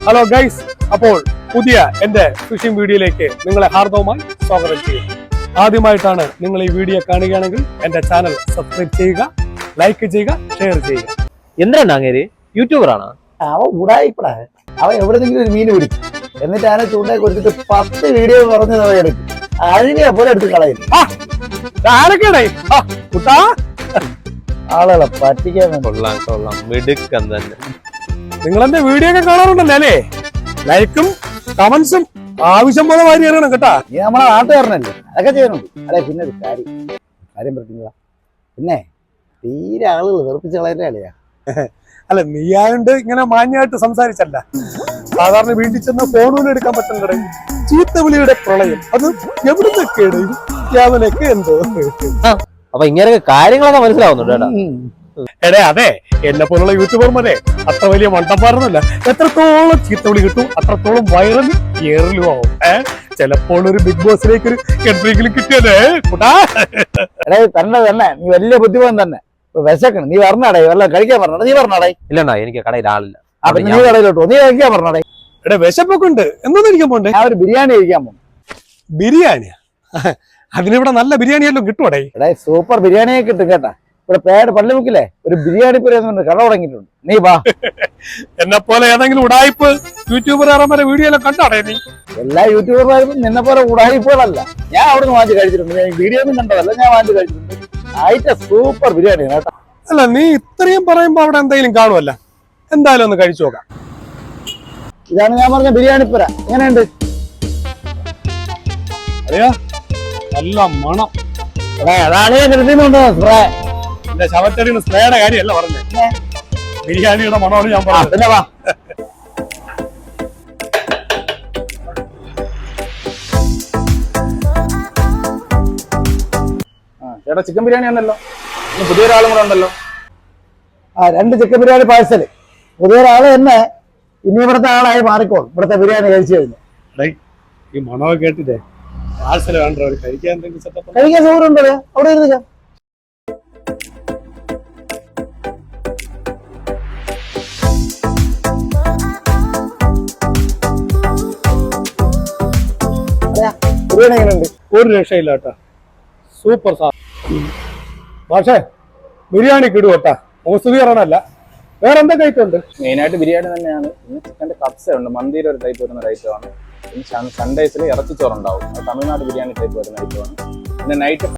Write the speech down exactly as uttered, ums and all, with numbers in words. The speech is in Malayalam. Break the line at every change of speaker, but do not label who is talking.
ഹലോ ഗൈസ്, അപ്പോൾ പുതിയ എന്റെ ഫിഷിംഗ് വീഡിയോയിലേക്ക് നിങ്ങളെ ഹാർദവമായി സ്വാഗതം ചെയ്യുന്നു. ആദ്യമായിട്ടാണ് നിങ്ങൾ ഈ വീഡിയോ കാണുകയാണെങ്കിൽ എന്റെ ചാനൽ സബ്സ്ക്രൈബ് ചെയ്യുക, ലൈക്ക് ചെയ്യുക, ഷെയർ ചെയ്യുക.
എന്താണ് അങ്ങേര് യൂട്യൂബർ ആണ്?
അവൻ ഉടായിപ്പടാ. അവൻ എവിടെന്നെങ്കിലും ഒരു മീൻ പിടിക്കും, എന്നിട്ട് അതിനെ ചൂണ്ടയെ കൊടുത്തിട്ട് പത്ത് വീഡിയോ പറഞ്ഞു എടുക്കും. അതിനെ പോലെ എടുത്ത് കളയും. ആളുകളെ പറ്റിക്കാൻ വേണ്ടി.
കൊള്ളാം കൊള്ളാം, മിടുക്കം തന്നെ.
നിങ്ങൾ എന്റെ വീഡിയോ ഒക്കെ കാണാറുണ്ടല്ലോ അല്ലേ? ലൈക്കും കമന്റ്സും ആവശ്യം പോലെ വാരി അറിയണം കേട്ടാ.
നീ നമ്മളെ നാട്ടുകാരനല്ലേ, അതൊക്കെ ചെയ്യുന്നുണ്ട്. അല്ലെ പിന്നെ ഒരു കാര്യം കാര്യം പറ്റുന്നില്ല. പിന്നെ തീരെ ആളുകൾ വെറുപ്പിച്ച് കളയല്ലേ അല്ലയാ.
അല്ല, നീയായോണ്ട് ഇങ്ങനെ മാന്യമായിട്ട് സംസാരിച്ചല്ല. സാധാരണ വീട്ടിൽ ചെന്ന് ഫോണുകൾ എടുക്കാൻ പറ്റുന്നുണ്ട്. ചീത്തവിളിയുടെ പ്രളയം അത് എവിടുന്നൊക്കെയാണ് യാവനൊക്കെ എന്തോ.
അപ്പൊ ഇങ്ങനെയൊക്കെ കാര്യങ്ങളൊക്കെ മനസ്സിലാവുന്നുണ്ട് കേട്ടാ.
എടേ അതെ, എന്നെ പോലുള്ള യൂട്യൂബർമാരെ അത്ര വലിയ മണ്ടന്മാരൊന്നുമല്ല. എത്രത്തോളം ചീത്തവിളി കിട്ടും അത്രത്തോളം വൈറലും ഏറലും ആവും. ഏഹ് ചിലപ്പോൾ ഒരു ബിഗ് ബോസിലേക്ക് ഒരു എൻട്രിയെങ്കിലും കിട്ടിയതേ കൂട്ടാ.
എടേ തന്നെ തന്നെ നീ വലിയ ബുദ്ധിമാൻ തന്നെ. വിശക്കണം, നീ പറഞ്ഞാടേ, വല്ല കഴിക്കാൻ പറഞ്ഞാ നീ പറഞ്ഞാടേ.
ഇല്ലണ്ണാ, എനിക്ക് കടയിൽ ആളില്ല.
അപ്പൊ നീ കടയിലോട്ടോ, നീ കഴിക്കാൻ പറഞ്ഞാടേ.
എടേ വിശപ്പൊക്കെ ഉണ്ട്, എന്നൊന്നും ഇരിക്കാൻ പോണ്ടേ?
ഞാൻ ഒരു ബിരിയാണി കഴിക്കാൻ പോകും.
ബിരിയാണിയാ? അതിനിവിടെ നല്ല ബിരിയാണിയെല്ലാം കിട്ടുവടേ.
എടേ സൂപ്പർ ബിരിയാണിയെ കിട്ടും കേട്ടാ. ഇവിടെ പേട് പള്ളിമുക്കില്ലേ ഒരു ബിരിയാണി പുരന്ന് കട തുടങ്ങിയിട്ടുണ്ട്. നീ വാ.
എന്നെ പോലെ ഏതെങ്കിലും ഉടായ്പ് യൂട്യൂബർമാരെ വീഡിയോ എല്ലാം കണ്ടാടേ നീ?
എല്ലാ യൂട്യൂബർമാരും നിന്നെ പോലെ ഉടായിപ്പുകളല്ല. ഞാൻ അവിടെ നിന്ന് വാങ്ങിച്ച് കഴിച്ചിട്ടുണ്ട്. ഞാൻ വീഡിയോ ഒന്നും കണ്ടതല്ല, ഞാൻ വാങ്ങിച്ച് കഴിച്ചിട്ടുണ്ട്. ആയിട്ട് സൂപ്പർ ബിരിയാണി കേട്ടാ.
അല്ല, നീ ഇത്രയും പറയുമ്പോ അവിടെ എന്തെങ്കിലും കാണുമല്ല. എന്തായാലും ഒന്ന് കഴിച്ചു നോക്കാം.
ഇതാണ് ഞാൻ പറഞ്ഞ ബിരിയാണി പുര. എങ്ങനെയുണ്ട്?
അറിയാ, നല്ല മണം.
അതാണ് ഞാൻ നിർത്തിയിട്ടുണ്ടോ സ്പ്രേ.
എന്റെ ശവച്ചടിയുടെ സ്പ്രേയുടെ കാര്യമല്ല പറഞ്ഞേ, ബിരിയാണിയുടെ മണമാണ് ഞാൻ പറഞ്ഞത്.
പിന്നെ വാ.
ചേട്ടാ ചിക്കൻ ബിരിയാണി ആണല്ലോ, പുതിയൊരാളും കൂടെ ഉണ്ടല്ലോ.
ആ രണ്ട് ചിക്കൻ ബിരിയാണി പാഴ്സല്. പുതിയൊരാള് തന്നെ ഇനി ഇവിടുത്തെ ആളായി മാറിക്കോളും. ഇവിടുത്തെ ബിരിയാണി കഴിച്ചു കഴിഞ്ഞു.
ഈ മണമൊക്കെ കേട്ടിട്ടേ പാഴ്സല് വേണ്ട, ഒരു കഴിക്കാൻ എന്തെങ്കിലും സെറ്റപ്പ്.
കഴിക്കാൻ സൗകര്യം ഉണ്ടല്ലോ, അവിടെ ഇരുന്ന്. ബിരിയാണി എങ്ങനെയുണ്ട്?
ഒരു രക്ഷയില്ല കേട്ടാ, സൂപ്പർ സാ. പക്ഷേ ബിരിയാണി കിടും കേട്ടാ, മോസ്തുതി പറയണല്ല. വേറെ എന്തൊക്കെ ഐറ്റം ഉണ്ട്?
മെയിനായിട്ട് ബിരിയാണി തന്നെയാണ്. പിന്നെ ചിക്കൻ്റെ കപ്സ ഉണ്ട്, മന്തിയുടെ ഒരു ടൈപ്പ് വരുന്ന ഐറ്റമാണ്. പിന്നെ സൺഡേസിൽ ഇറച്ചിച്ചോറുണ്ടാവും, അത് തമിഴ്നാട് ബിരിയാണി ടൈപ്പ് വരുന്ന ഐറ്റമാണ്. പിന്നെ നൈറ്റ്